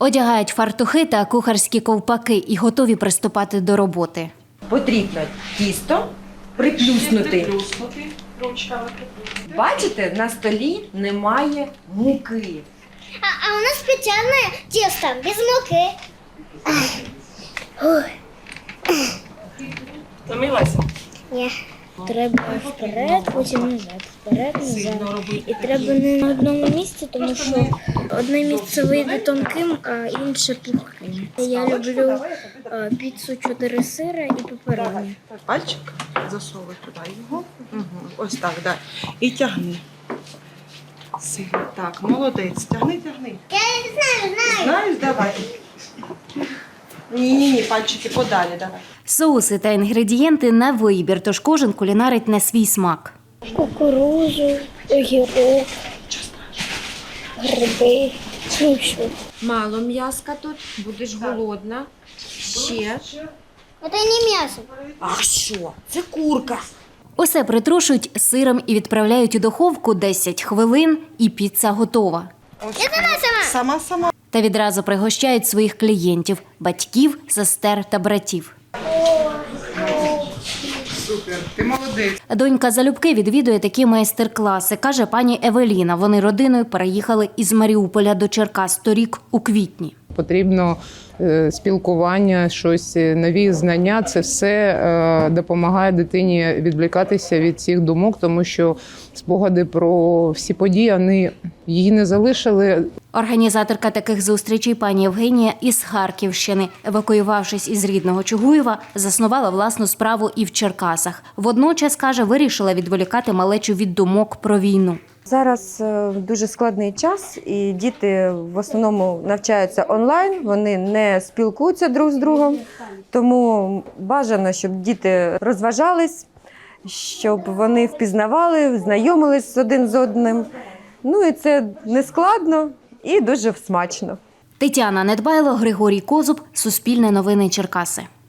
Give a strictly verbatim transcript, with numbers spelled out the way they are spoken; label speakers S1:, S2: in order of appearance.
S1: Одягають фартухи та кухарські ковпаки і готові приступати до роботи.
S2: Потрібно тісто приплюснути. Бачите, на столі немає муки.
S3: А, а у нас специальное тесто, без муки.
S4: Втомилася?
S3: Ні. Треба вперед, потім назад, вперед, назад. І треба не на одному місці, тому що одне місце вийде тонким, а інше пухким. Я люблю а, піцу чотири сира і пепероні.
S4: Пальчик засовуй туди його. Угу. Ось так, да. І тягни. Сильно. Так, молодець. Тягни, тягни.
S3: Я не знаю, знаю.
S4: Знаєш, давай. Ні-ні-ні, пальчики подалі, давай.
S1: Соуси та інгредієнти на вибір, тож кожен кулінарить на свій смак.
S3: Кукурузу, огірок, гриби, ну що.
S2: Мало м'яска тут, будеш голодна. Ще.
S3: Це не м'ясо.
S2: А що? Це курка.
S1: Усе притрушують сиром і відправляють у духовку десять хвилин, і піца готова.
S4: Я сама, сама. Сама-сама.
S1: Та відразу пригощають своїх клієнтів – батьків, сестер та братів.
S4: Супер, ти молодець.
S1: Донька залюбки відвідує такі майстер-класи, каже пані Евеліна. Вони родиною переїхали із Маріуполя до Черкас торік у квітні.
S5: Потрібно е, спілкування, щось, нові знання. Це все е, допомагає дитині відвлікатися від цих думок, тому що спогади про всі події, вони її не залишили.
S1: Організаторка таких зустрічей пані Євгенія із Харківщини. Евакуювавшись із рідного Чугуєва, заснувала власну справу і в Черкасах. Водночас, каже, вирішила відволікати малечу від думок про війну.
S6: Зараз е, дуже складний час, і діти в основному навчаються онлайн, вони не спілкуються друг з другом, тому бажано, щоб діти розважались, щоб вони впізнавали, знайомились один з одним. Ну і це не складно і дуже смачно.
S1: Тетяна Недбайло, Григорій Козуб, Суспільне новини Черкаси.